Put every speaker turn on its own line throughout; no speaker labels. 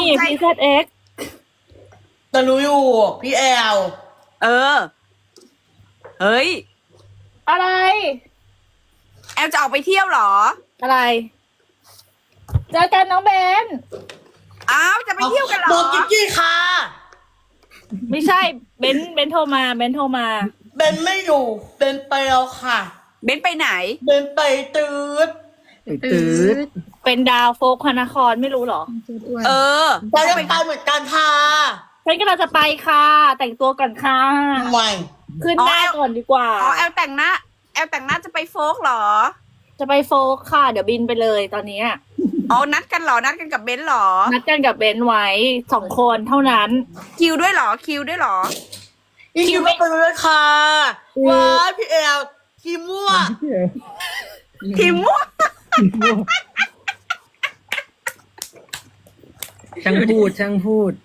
ใช่
PZX
แต่รู้อยู่พี่แอล
เออ เฮ้ย
อะไร
แอลจะออกไปเที่ยวเหรอ
อะไรเจอกันน้องเบน
อ้าวจะไปเที่ยวกันเหร
บอ
อก
กิ๊กกี้ค่ะ
ไม่ใช่เบนโทรมาเบนโทรมา
เบนไม่อยู่เบนไปแล้วค่ะ
เบนไปไหน
เบนไปตืด
ไปตื้อ
เป็นดาวโฟกพระนครไม่รู้เหรอ
เออ
ไปจะไปเหมือนกันค่ะ
ฉันก็เราจะไปค่ะ แต่งตัวก่อนค่ะ
ไม่
ขึ้นหน้าก่อนดีกว่า
อ๋อแอลแต่งหน้าจะไปโฟกเหรอ
จะไปโฟกค่ะ เดี๋ยวบินไปเลยตอนนี้
อ๋อนัดกันเหรอ นัดกันกับเบนเหรอ
นัดกันกับเบนไว้2 คนเท่านั้น
คิวด้วยเหรอ คิวด้วยเหรอ
อีคิวไม่ไปเลยค่ะว้ายพี่แอลคิวมั่ว
ทีมม่วง
ช่างพูดช่างพูด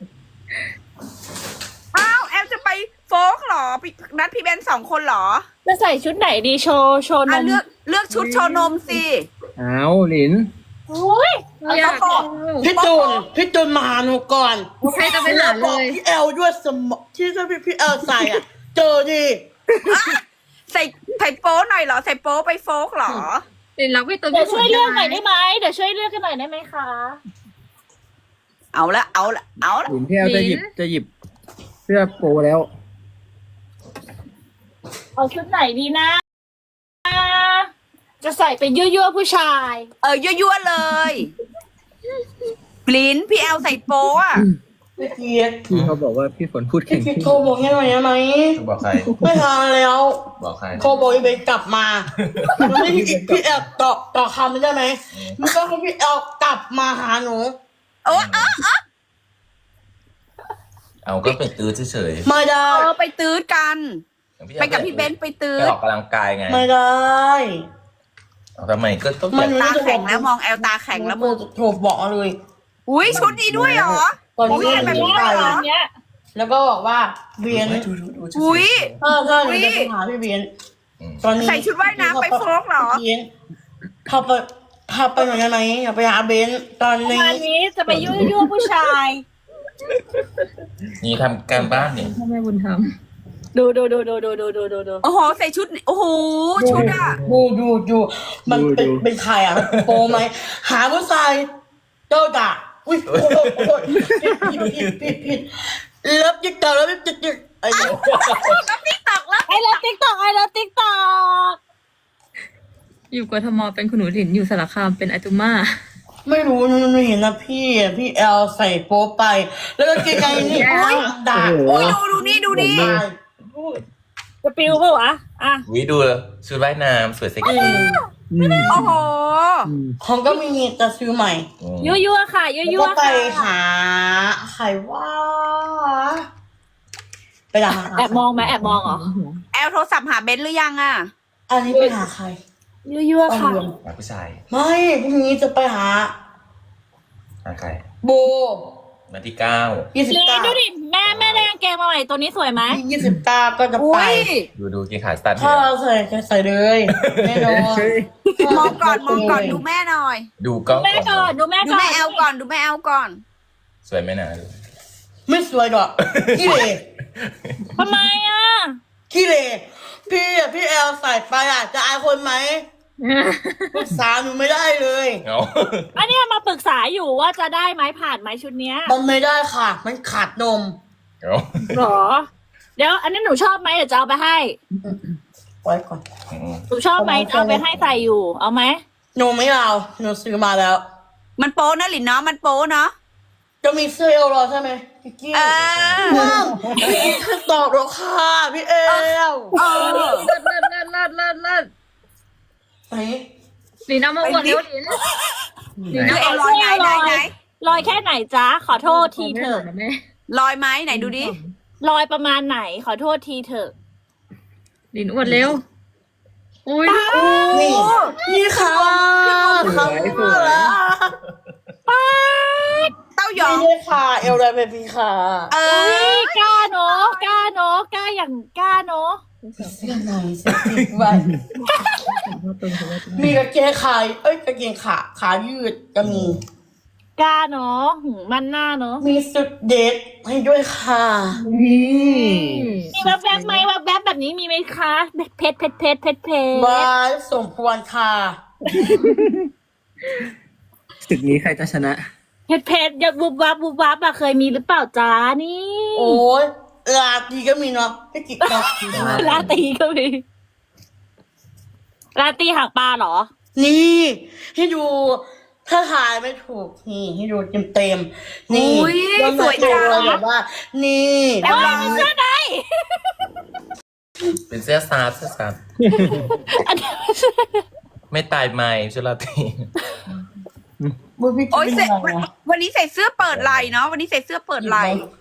อ้าวแอลจะไปโฟกเหรอนัดพี่เบน2 คนเหรอ
จะใส่ชุดไหนดีโชว์น
อ่ะ
ม
เลือกชุดโชว์นมสิ
เอาหลิน
อุ้ย
อยากบอก
พี่จูนมาหาหนูก่อน
โอเคจะไปหา
บ
เล
อก
ย
พี่แอลด้วยสมองที่พี่แอลใส่อ่ะ เจอดิ
ใส่โป๊หน่อยเหรอ ใส่โป๊ไปโฟกเหรอ
เดี๋ยวรักพี่ตัว
เดี๋ยว
พี่
ช่วยเลือกหน่อยได้ไหมเดี๋ยวช่วยเลือกกันหน่อยได้ไหมคะ
เอาละ
หลินพี่แอลจะหยิบเสื้อโปแล้ว
เอาชุดไหนดีนะ จะใส่เป็นยั่วๆผู้ชาย
ยั่วๆเลยลิ้นพี่แอลใส่โป๊อะ
พี่เกียรติ
พี่เขาบอกว่าพี่ฝนพูด
พี่
แข่ง
เกียรติโทรบอกยังไงได้ไหม
บอกใคร
ไม่ทานแล้ว
บอกใคร
โทรบอกอีเบนกลับมาไม่พี่แอลต่อคำไม่ได้ไหมมันก็ให้พี่แอลกลับมาหาหนู
โอ้
เอาก็ไปตื้อเฉย
ไม่ได้
ไปตื้อกัน
ๆ
ไปกับพี่เบนซ์ไปตื้อ
ไปออกกำลังกายไง
ไม่ได้
เอาทำไมก็ต้อง
มั
แบ
น
บ
ตาแข็งแล้วมองแอลตาแข็งแล้วมึง
โทรบอกเลย
อุ้ยชุดนี้ด้วยเหรอ
ตอนนี้
โอ้ยแบบนี้
ไป
เหรอ
เนี้ย
แล้วก็บอกว่าเบียน
อุ้ย
ใช่หนูจะไปหาพี่เบียนตอนนี้
ใส่ชุดว่ายน้ำไปโฟกเหรอ
พี่เบียนพาไปหน่อยได้ไหมอยากไปหาเบนตอนนี้
วันนี้จะไปยั่วๆผู้ชาย
นี่ทำการบ้านเนี่ย
พ่อแม่บุญธรรม
ดู
โอ้โห ใส่ชุด โอ้โห ชุดอะ
ดูมันเป็นใครอ่ะโปรไหมหาผู้ชายเจ้าด่าอุ้ยโอ้ยผิดเลิฟจิ๊กต่อแล้วจิ๊กไอ้เดี๋ยว
ไอ้เลิฟติ๊กตอกไอ้เลิฟติ๊กตอก
อยู่กทมเป็นคุณหนูหลินอยู่สารคามเป็นอาจุม่า
ไม่รู้หนูเห็นนะพี่แอลใส่โป๊ไป แล้วก็เกงในนี่ด่า
โอ้ยดูนี่ดูนี่
จะปิวเปล่าวะอ่ะ
วิดูชุดว่ายน้ำสวยเซ็กซี่
โอ้โห
ของก็มีจะซื้อใหม่
ยั่วๆค่ะยั่
แล้ว
ว
ก็
ๆ
ไป
ค่ะ
หาใครว่าไปหา
แอบมองไหมแอบมองเหรอ
แอลโทรศัพท์หาเบนซ์หรือยังอะ
อันนี้ไปหาใคร
ยั่วๆค่ะ
หาผู้ชาย
ไม่พรุ่งนี้จะไปหา
หาใคร
โบ
วันที่
ยี่สิบ
ลี
เก้า
ดูดิแม่ได้กางเกงมาใหม่ตัวนี้สวยไหม
29ก็จะ
อุ้
ไป
ย
9ดูกีขาสตัน
ถ้าเราใส่เลยแน่นอน
มองก่อนดูแม่หน่อย
ดูกล้อง
แม่ก่อนดูแม่
ดู
ก่อน
แม่แอลก่อน ดูแม่แอลก่อน
สวยไหมนะดู
ไม่สวยหรอกขี้เหร่
ทำไมอ่ะ
ขี้เหร่พี่แอลใส่ไปอ่ะจะอายคนไหมปรึกษาหนูไม่ได้เลย
เอา
อันเนี้ยมาปรึกษาอยู่ว่าจะได้ไหมผ่านไหมชุดเนี้ย
มันไม่ได้ค่ะ มันขาดนม
เอา
หรอ เดี๋ยวอันนี้หนูชอบไหมเดี๋ยวจะเอาไปให้
ไว้ก่อน
หนูชอบไหมจะเอาไปให้ใส่อยู่ เอาไหม
หนูไม่เอาหนูซื้อมาแล้ว
มันโป๊นะหลินเนาะ มันโป๊เนาะ
จะมีเสื้อเอลรอใช่ไหมพี่กี้
เออ
พี่ตอบแล้วค่ะพี่เอล
เออ
เลิศไหน หลินเอามาอวดเร็วหลิน
ดูเอลลอยไหน
ลอยแค่ไหนจ๊ะ ขอโทษทีเถอะ
นะแม่
ลอยไหมไหนดูดิ
ลอยประมาณไหน ขอโทษทีเถอะ
หลินอวดเร็ว อุ้ย
นี่ค่ะคำพูดแล้ว
เต้ายอ
ไม่
ง
ได้ค่ะเอลไรเบบี้ค่ะ
เอ
อุ้
อ
ยกล้าเนอะกล้าเนอะกล้าอย่างกล้าเนอะ
เสื้อในเสื้อติดไว้มีกางเกงขายกางเกงขายืดก็มี
กล้าเนาะมันหน้าเนาะ
มีสุดเด็ดให้ด้วยค่ะ
นี่
มีแวบๆไหมแวบๆแบบนี้มีไหมคะเพชรเพชรเพชรเพชรเพชร
บายสมควรค่ะ
ศึกนี้ใครจะชนะ
เพชรเพชรอย่าบุบวับบุบวับอะเคยมีหรือเปล่าจ้านี่
โอ้ยลาตีก็มีเนาะพี่กิ๊กเนาะ
ลาตีก็มีลาตีหางปลาเหรอ
นี่ให้ดูถ้าถ่ายไม่ถูกนี่ให้ดูเต็มๆนี่
อุ๊ย
ยอด
สวยจัง
เลยแบบว่า นี่
แต่ว่ามันเสื้อใน
เป็นเสื้อซาร์เสื้อซาร์
อันนี้
ไม่ตายไม่ชุลาตี
มือพี่กิ๊
โอ้
ก
ย
เป็นยังไงนะ
วันนี้ใส่เสื้อเปิดไหล่เนาะวันนี้ใส่เสื้อเปิดไหล่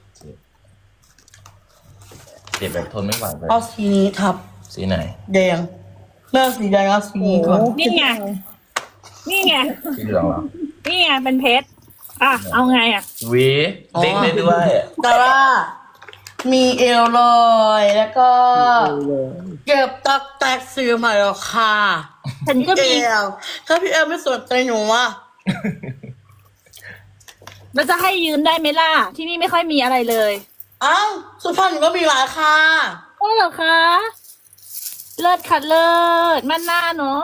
เจ็บแบบทนไม่ไหวเลย
เอาสีนี้ทับ
สีไหน
แดงเลือกสีแดงเอาสีนี้ก่อน
นี่ไงนี่ไง
สีเหลืองเหรอ
นี่ไงเป็นเพชรอ่ะเอาไงอ่ะ
หวีเด้งได้ด้วย
แต่ว่ามีเอวลอยแล้วก็เก็บตักแตกซื้อมาแล้วค่ะ
ฉันก็
เอ
มี
วถ้าพี่เอลไม่สนใจหนูอ่ะ
มันจะให้ยืนได้ไหมล่ะ ที่นี่ไม่ค่อยมีอะไรเลย
เอ้าสุพรรณหนูก็มีหลายค่ะ
โอ้เหรอคะ เลิศค่ะเลิศมันหน้าเนาะ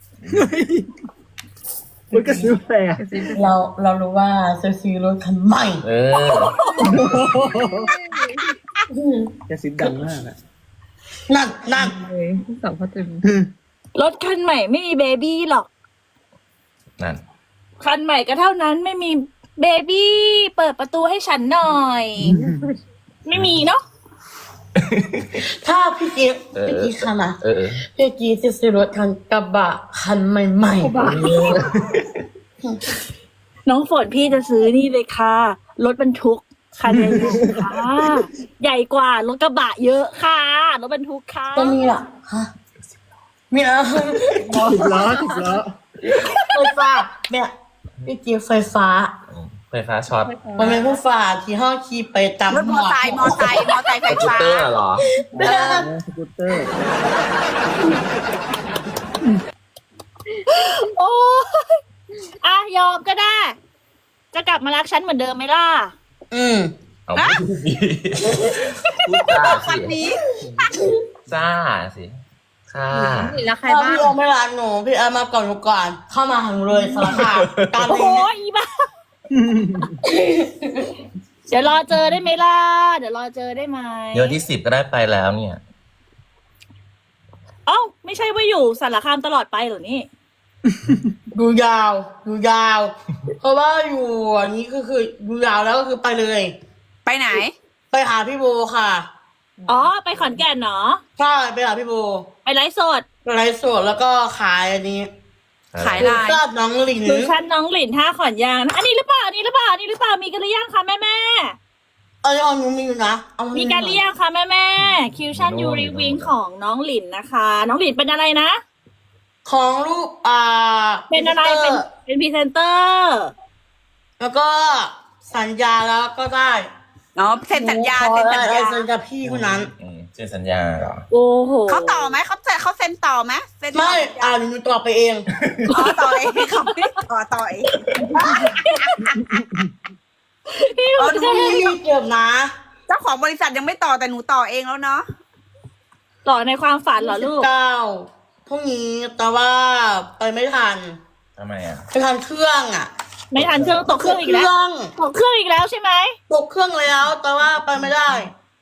มันก็ซื้อแฟร์
เรารู้ว่าจะซื้อรถคันใหม่
เออ
จะซื้อดังมากอะ
นั่น
เลยสาวเขาจะ
รถคันใหม่ไม่มีเบบี้หรอก
นั่น
คันใหม่ก็เท่านั้นไม่มีเบบี้เปิดประตูให้ฉันหน่อย ไม่มีเนาะ
ถ้าพี่กิ๊กค่ะนะ
เออ
พี่กิ๊กจะซื้อรถคันกระบะคันใหม่ๆ
น้องฝนพี่จะซื้อนี่เลยค่ะ รถบรรทุกคันใหญ่ๆค่ะ ใหญ่กว่ารถกระบะเยอะค่ะ รถบรรทุกค่ะ
ก็มีล่ะฮะมีอะไร
10 ล้อ
ไฟฟ้าเนี่ยพี่กิ๊กไฟฟ้า
ไฟฟ้าช็อต
มันเป็นไฟฟ้าที่ห้องขี่ไปตาม
รถมอไซค์ไฟ
สกูต
ฟ้า
เตอร์เหรอ
สกูตเตอร์
โอ้ยอ่ะยอมก็ได้ จะกลับมารักฉันเหมือนเดิมไหมล่ะ
เอาไม่ดีพูดจ้า
วั
สิ
นนี้
จ้าสิค่ะ
แล้วใคร
ถ้า
บ้าง
พี่เอาไม่รักหนูพี่เอามาก่อนหนูก่อน เข้ามาหาหนูเลยสารภาพตาม
โอ้
นี้
ยอีบ้า เดี๋ยวรอเจอได้ไหมล่ะ เดี๋ยวรอเจอได้ไหม
เดี๋ยวที่10ก็ได้ไปแล้วเนี่ย
เอ้าไม่ใช่ว่าอยู่สารคามตลอดไปเหรอนี่
ดูยาว เพราะว่าอยู่อันนี้คือดูยาวแล้วก็คือไปเลย
ไปไหน
ไปหาพี่โบค่ะ
อ๋อ ไปขอนแก่นเนาะ
ใช่ไปหาพี่โบ
ไปไลฟ์สด
ไปไลฟ์สดแล้วก็ขายอันนี้
ขาย ลาย
ทราบน้องหลิน
ดูชั้นน้องหลินท่าขอนยางนะอันนี้หรือเปล่าอันนี้หรือเปล่าอันนี้หรือเปล่ามีกันหรือยังคะแม่แม่
เอาเอาหนูมีอยู่นะเอา
มีกันหรือยังคะแม่แม่คิวชั่นยูรีวิงของน้องหลินนะคะ น้องหลินเป็นอะไรนะ
ของลูก
เป็นอะไรเป็นพรีเซนเตอร์
แล้วก็สัญญาแล้วก็ได้
เนาะเซ็นสัญญา
ขอ
เซ็นสัญญา
สัญญาพี่คนนั้น
เซ็นสัญญาเหรอ
โอ้โห
เขาต่อไหมเขาเซ็นต่อไหมเซ็นต่อ
ไม่หนูตอบไปเอง
อ๋อต่อเองเขาไม่ได้ต่อเอง
พี่
อ๋อ
หนู
ดู
พี่เก็บนะ
เจ้าของบริษัทยังไม่ต่อแต่หนูต่อเองแล้วเนาะ
ต่อในความฝันเหรอลูก
9พรุ่งนี้แต่ว่าไปไม่ทัน
ทำไมอ่ะ
ไปทันเครื่องอ่ะ
ไม่ทันเครื่องตกเครื่องอีกแล้วตกเครื่องอีกแล้วใช่ไหม
ตกเครื่องแล้วแต่ว่าไปไม่ได้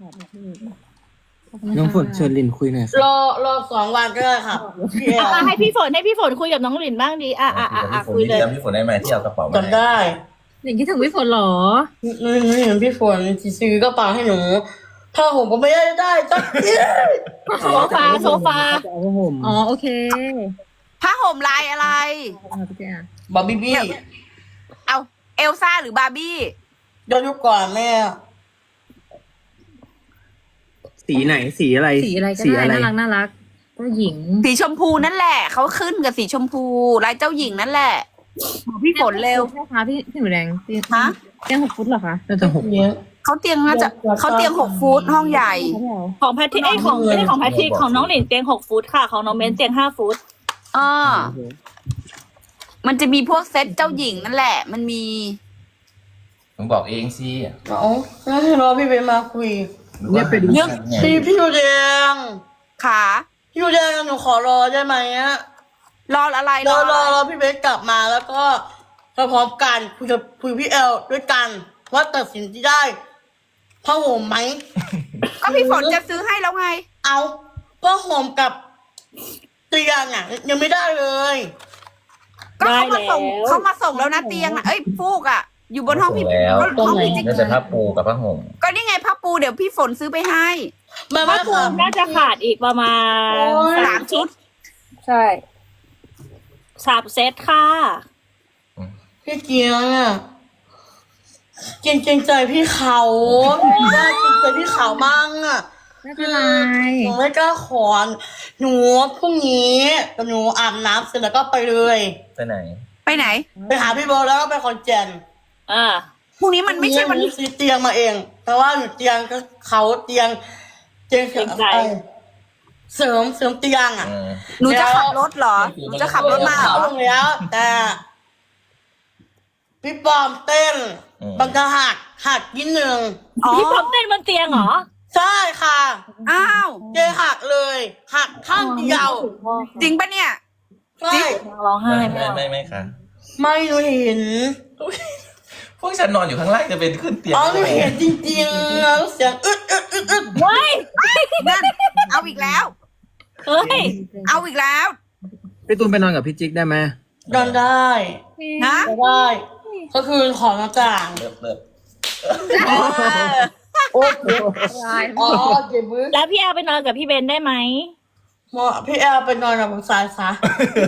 น้องฝนเชิญลินคุยหน่อยสิ
รอ2 วันก็ได้ค่ะพี่เอล
ให้พี่ฝนคุยกับน้องหลินบ้างดีคุยเลย
จำพี่ฝนได้ไหมที่เอากระเป๋ามา
จำได้
อย่างคิดถึงพี่ฝนเหรอ
นี่เห็นพี่ฝนซื้อกระเป๋าให้หนูถ้าผมก็ไม่ได้จักที
โซฟา
จะเอาผ้าห่ม
อ๋อโอเค
ผ้าห่มลายอะไร
พี่แก
บอบบี้บี้
เอาเอลซ่าหรือบาร์บี้
ย้อนยุคก่อนแม่
สีไหนสีอะไร
สีอะไรก็ได้น่ารักเจ้าหญิง
สีชมพูนั่นแหละเขาขึ้นกับสีชมพูลายเจ้าหญิงนั่นแหละบอกพี่ฝนเร็ว
ใช่คะพี่หนูแดง
ฮะ
เตียง6 ฟุตเหรอคะ
น่าจะ6
เนี้ย
เขาเตียงน่าจะเขาเตียง6 ฟุตห้องใหญ่
ของแพทริกของไม่ใช่ของแพทริกของน้องหลินเตียง6 ฟุตค่ะของน้องเบนเตียง5 ฟุต
มันจะมีพวกเซตเจ้าหญิงนั่นแหละ มันมี
มึงบอกเองสิ
เอาแล้วให้รอพี่เบนมาคุย
เนี่ยเป็น
ไง
พี่ดูแดง
ขา
พี่ดูแดงหนูขอรอได้ไหมอะ
รออะไร
รอ
อะไร
รอพี่เบนกลับมาแล้วก็พร้อมกันคุยพี่เอลด้วยกัน ว่าตัดสินที่ได้ผ้าห่มไหม
ก็พี่ฝนจะซื้อให้แล้วไง
เอาผ้าห่มกับเตียงอ่ะยังไม่ได้เลย
ก็เขามาส่ง
ได้แล้ว
เขามาส่งแล้วนะเตียงอะเอ้ยฟูกอ่ะ อยู่บนห้องพี่
แล้ว
ห้องพี่จิ๊ก
น่าจะผ้าปูกับผ้าห่ม
ก็นี่ไงผ้าปูเดี๋ยวพี่ฝนซื้อไปให้
ไม่
ผ้า
ไม่
คลุ
ค่ะ
มน่าจะขาดอีกประมาณ
โอ้ย
3 ชุด
ใช่3 เซตค่ะ
พี่เกียงอ่ะเกรงใจพี่เขาน่าเกรงใจพี่เขามั่งอ่ะ
ไม่เป็นไร
หนูไม่กล้าขอหนูพรุ่งนี้หนูอาบน้ำเสร็จแล้วก็ไปเลย
ไปไหน
ไปไหน
ไปหาพี่โบแล้วก็ไปคอนแกน
อ่า
พรุ่งนี้มันไม่ใช่วัน
หซื้อเตียงมาเอง แต่ว่าหนูเตียงก็เขาเตียงเตียงเสริมเตียงอ่ะ
หนูจะขับรถเหรอ หนูจะขับรถมาเหร
เขา
อ
ลงแล้ว แต่พี่ปอมเต้นบางกะหักนิดนึง
อ๋อ
พี่พร้อมเต้นบนเตียงเหรอ
ใช่ค่ะ
อ้าว
เจหักเลยหักข้างเดียว
จริงปะเนี่ย
ใช่
ร้องไห้
ไม่ค่ะ
ไม่หนูเห็น
พวกฉันนอนอยู่ข้างล่างจะเป็นขึ้นเตียง
อ๋อหนูเห็นจริงๆแล้วเสียงอึด
ว้าย
นั่น เอาอีกแล้ว
เฮ้ย
เอาอีกแล้ว
พี่ตูนไปนอนกับพี่จิ๊กได้ไหม
นอนได้
นะ
ได้ ก็คือของต่าง
เลิก
เออ
ๆโอ้เจ็บอ๋อเจ็บมือ
แล้วพี่แอลไปนอนกับพี่เบนได้ไหม
หมอพี่แอลไปนอนกับผมสายซะ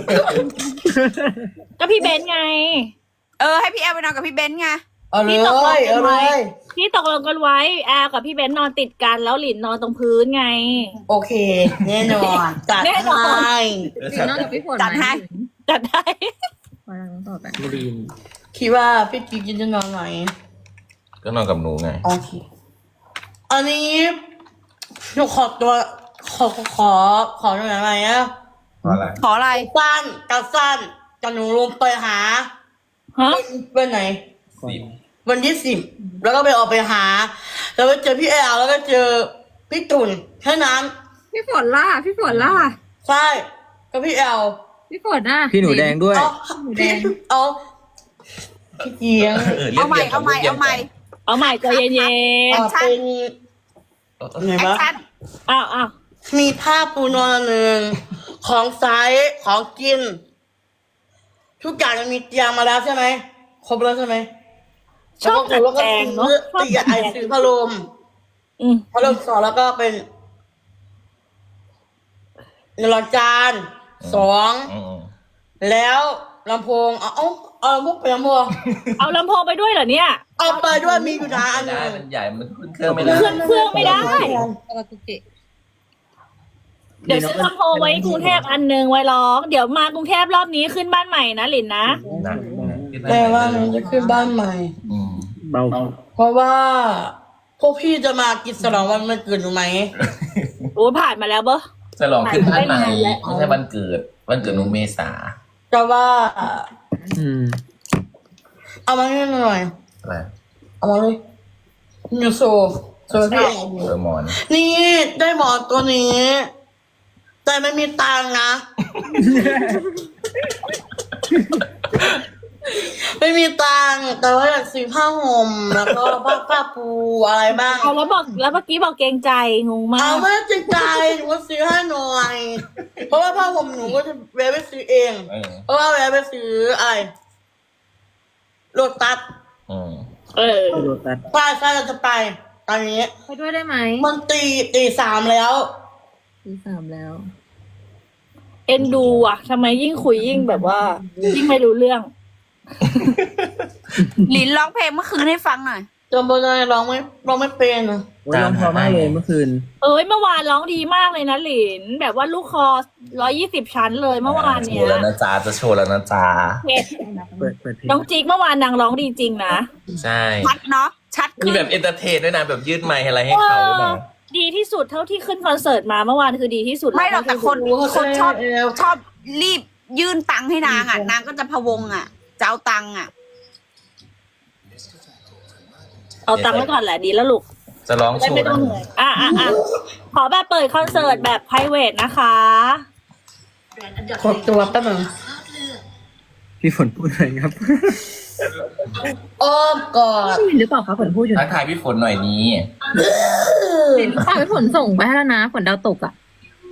ก็พี่เบนไง
ให้พี่แอลไปนอนกับพี่เบนซ์ไง
เอาเลย
พี่ตกลงกัน
เอา
ไหม
เลย
พี่ตกลงกันไว้แอลกับพี่เบนนอนติดกันแล้วหลินนอนตรงพื้นไง
โอเค แน่นอนจัด
แน่นอน
ให้
ลินนอนกับพี่ฝน
จัดให้
จัดได้
ไปแล้วต่อไป
ไม่ได้ยิน
คิดว่าพี่กิ๊กจะนอนไหน
ก็นอนกับหนูไง
โอเค อันนี้หนูขอตัวขอหน่อยอะไรอะ
อะไร
ขออะไร
สั้นกับหนูลงไปหา
ฮะ
วันไหน
สิบ
วันที่10แล้วก็ไปออกไปหา แล้วไปเจอพี่แอลแล้วก็เจอพี่ตุ่นแค่นั้น
พี่ฝนล่ะ พี่ฝนล่ะ
ใช่ก็พี่แอล
พี่ฝนน่ะ
พี่หนูแดงด้วย
เอาพี่เอาพี่เกียง
เอาใหม่ เอาใหม่ เอาใหม่
เอาใหม่ใจเย็น
เป็นไง
แอคว
ะ
ชั่น
ๆอ้าว
มีผ้าปูนอนหนึ่งของใช้ของกิน ทุกอย่างมันมีเตรียมมาแล้วใช่ไหมครบแล้วใช่ไหม
ชอบจัด
แล้วก็
แจง
ซื้
เนาะ
อเตียไอซื้อพัดลม
อืม
พัดลม2แล้วก็เป็นหลอดจาน2
อืม
แล้วลำโพงเอาลำโพงไปลำโพง
เอาลำโพงไปด้วยเหรอเนี่ย
เอาไปด้วยมีอยู่นะอัน
ไม่
นึ
ได้
ง
มันใหญ่ มันขึ้นเครื่องไม่ได้
เครื่องไม่ได้
ปกติ
เดี๋ยวซื้อลำโพงไว้กรุงเทพอันหนึงไว้ร้อง เดี๋ยวมากรุงเทพรอบนี้ขึ้นบ้านใหม่นะหลินนะ
นะ
แต่ว่ามันจะขึ้นบ้านใหม่
อืม
เบา
เพราะว่าพวกพี่จะมากินฉลองวันเกิดหนูไหม
โอ้ผ่านมาแล้วเบ้อ
จะลองขึ้นบ้านใหม่
ไม่นานแล้ว
ไม่ใช่วันเกิด วันเกิดหนูเมษา
แต่ว่า
อืม
เอามาให้หน่อย
อะไร
เอามาเลยนิวโซพี่
เออหมอน
นี่ได้หมอนตัวนี้ แต่ไม่มีตังค์นะ ไม่มีตังค์แต่ว่าอยากซื้อผ้าห่มแล้วก็ผ้าปูอะไรบ้าง
เอาแล้วเมื่อกี้บอกเกรงใจงงมา
เอา
ก
ไม่จริงใจหนูก็ซื้อให้หน่อย เพราะว่าผ้าห่มหนูก็จะแวะไปซื้อเอง
เออ
เพราะว่าแวะไปซื้ออะไรโลตัส
อืม
เออ
โดนตัด
ใช่เราจะไปตอนนี้
ไปด้วยได้ไหม
มันตี3แล้ว
ตี3แล้ว
เอ็นดูอ่ะทำไมยิ่งคุยยิ่งแบบว่า ยิ่งไม่รู้เรื่อง
หลินร้องเพลงเมื่อคืนให้ฟังหน่อย
จำบนอะไรร้องไม่เป็นอะ
โอ้ยร้องเพอมากเลยเมื่อคืน
เอ้ยเมื่อวานร้องดีมากเลยนะหลิน แบบว่าลูกคอ120 ชั้นเลยเมื่อวาน
โช
เนี้
ว์
ย
แล้วนะจ๊ะจะโชว์แล้วนะจ๊ะ
เผ็ด
เปิดเพลง
น้องจิ๊กเมื่อวานนางร้องดีจริงนะ
ใช่
ชัดเนาะ ชัด
มี
ขึ้น
แบบเอนเตอร์เทนด้วยนะ แบบยืดไมค์อะไรให้เขาหรือเปล่า
ดีที่สุดเท่าที่ขึ้นคอนเสิร์ตมาเมื่อวานคือดีที่สุด
ไม่หรอกแต่คนชอบ
เอว
ชอบรีบยื่นตังค์ให้นางอ่ะ นางก็จะพะวงอ่ะ จะเอาตังค์อ่ะ
เอาตังค์ไว้ก่อนแหละดีแล้วลูก
จะร้อง
ได้
โช
ไม่
ว์
ต้อง
นะ
เหนื่อยขอแบบเปิดคอนเสิร์ตแบบ private นะคะ
กดตัวแป๊บนึง
พี่ฝนพูดอะไรครับ
อ้อมกอด
หรือเปล่าคะฝนพูดอยู่
ทักทายพี่ฝนหน่อยนี้
เห็นข่าวฝนส่งไปให้แล้วนะฝนดาวตกอ่ะ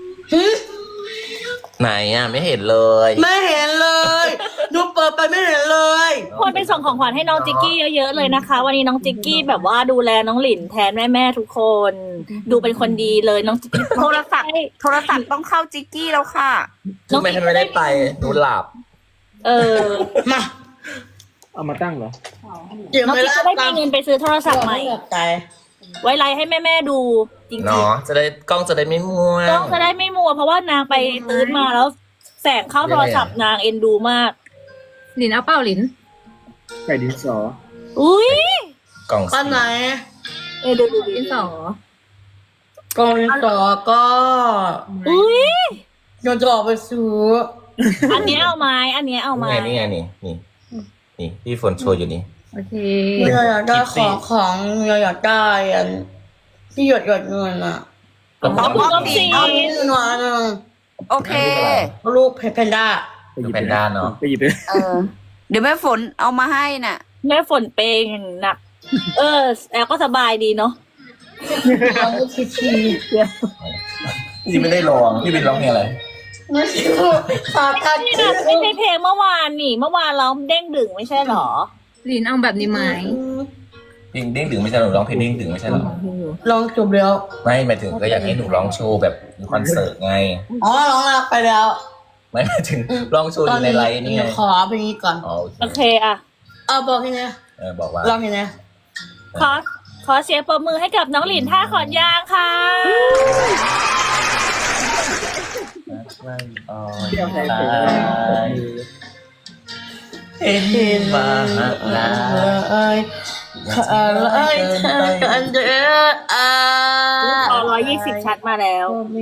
ไหนอ่ะไม่เห็นเลย
ไม่เห็นเลยดูเปิดไปไม่เห็นเลย
คนไปส่งของขวัญให้น้องจิกกี้เยอะๆเลยนะคะ วันนี้น้องจิกกี้แบบว่าดูแลน้องหลินแทนแม่ๆทุกคน ดูเป็นคนดีเลยน้องจิกกี้
โทรศัพท์ต้องเข้าจิกกี้แล้วค่ะ
ทำไมฉันไม่ได้ไปหนูหลับ
มา
เอามาตั้งเหรอ
เดี๋ยว
น้อง
ไม่
จิก
ได้
ก็ได้มีเงินไปซื้อโทรศัพท์ใหม่
ใจ
ไว้ไลฟ์ให้แม่ๆดูจริง
เนาะจะได้กล้องจะได้ไม่ม่ว
ๆ
ง
ต้องจะได้ไม่มัวเพราะว่านางไปตื้นมาแล้ว แสงเข้าโทรศัพท์นางเอ็นดูมาก
หลินเอาเป้าหลิน
ไก่ดินสอ
อุ้ย
กล่อง
อันไหน
ดู
ดินสอก
องต่อก็
อุ้ย
ยังจะออกไปซื้อ
อันเนี้ยเอาไม้อันเนี้ยเอาไม้
นี่ไงนี่พี่ฝนโชว์อยู่นี่
โอเค
เราอยากได้ของเราอยากได้อันที่หยดเงินอ่ะ
ก็
ขอบคุณน้องซี
เอาเงินมาหนึ่ง
โอเค
ลูกเพนด้า
ไปหยิบ
แพนด้าเนาะ
ไปหยิบไป
เดี๋ยวแม่ฝนเอามาให้น่ะ
แม่ฝนเปย์อย่างหนัก แอลก็สบายดีเนาะ
เอาลูกชีชี
พี่ไม่ได้ร้องพี่เป็นร้องเพลงอะไร
ไม่ใช่ฝากกัน
นี่นะไม่ใช่เพลงเมื่อวานนี่ เมื่อวานร้องเด้งดึงไม่ใช่หรอ
หลินเอาแบบนี้ไหม
เพลงเด้งดึงไม่ใช่หรอร้องเพลงเด้งดึงไม่ใช่หรอ
ลองจบแล้ว
ไม่หมายถึงก็อยากให้หนูร้องโชว์แบบคอนเสิร์ตไง
อ๋อร้องแล้วไปแล้ว
ไม่หมายถึงร้องโชว์อยู่ในไลน์นี่ไง
ขอเพลงนี้ก่อน
อ๋อ
โอเคอ่ะ
เอาบอกให้นะ
บอกว่า
ลองให้นะ
ขอเสียงปรบมือให้กับน้องหลินท่าขอนยางค่ะ
เที่ยวใส่ถุงมือ
เห็นมาเลยอะไรกันเด้อ
ขอ120 ชัดมาแล้ว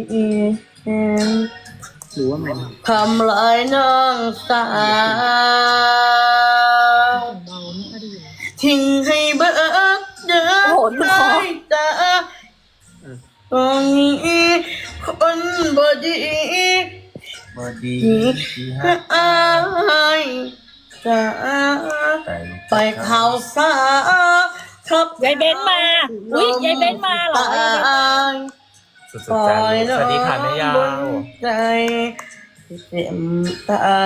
หรือว่ามัน
ทำลายน้องสาวทิ้งให้เบิกเดิน
โอ้โหทุกคน
ตาตรงนี้คนบดี
บอดี
ก็อายจะไปเขาสาครับ
ยายเบ้นมา อุ๊ยยายเบ้นมาเหรอ
สุดๆจังสวัสดีค่ะแม่ยาว
ใจเต็มตาย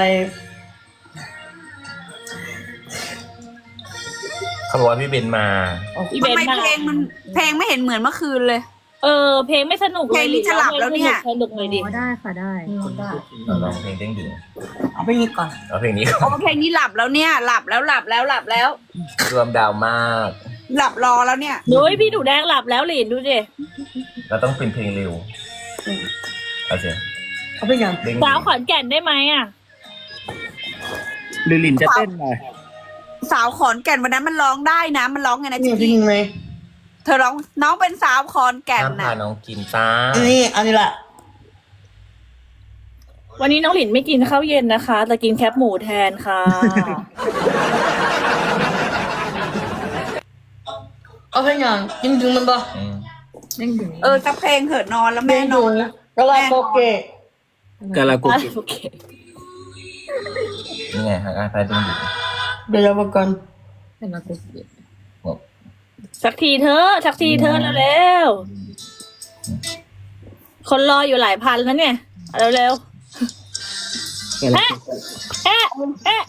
เขาบอกว่าพี่เบนมา
อี
ทำ
เบ้น
ไม
มา
เพลงไม่เห็นเหมือนเมื่อคืนเลย
เพลงไม่สนุกเลย
เพลงนี้จะหลับแล้วเนี่ย
สนุกเลยดิ
อ๋อได้ค่ะได้
ร้องเพลงเด้งดึง
เอาไปนี้ก่อน
เอาเพลงนี้ก่อน
โอ้เพลงนี้หลับแล้วเนี่ยหลับแล้ว
รวมดาวมาก
หลับรอแล้วเนี่ย
นุ้ยพี่หนูแดงหลับแล้วหลินดูดิ
เราต้องเป็นเพลงเร็วเอาสิ
เอาไปยัง
เด้ง
สาวขอนแก่นได้ไหมอ่ะ
หรือหลินจะเต้นหน่อย
สาวขอนแก่นวันนั้นมันร้องได้นะ มันร้องไงนะ
นี่
จิก
จริ
กี้
งไหม
เธอร้องน้องเป็นสาวขอนแก่น
ห้ามพา
นะ
น้องกินจ้า
อันนี้แหละ
วันนี้น้องหลินไม่กินข้าวเย็นนะคะ แต่กินแคปหมูแทนค่ะ
เอาไปยังจริงๆมันบ่
เด้งดึง
สักเพลงเถิดนอนแล้วแม่นอน
กะลาโปเกะ
กาลาโกุ
โอเค
นี่ไงฮะพาเด้งดึง
เดี๋ยวเรามาก่อน
เป็นมากุศล
สักทีเธอะเร็วๆคนรออยู่หลายพันแล้วเนี่ยเร็ว
กาลาโกุ
ๆ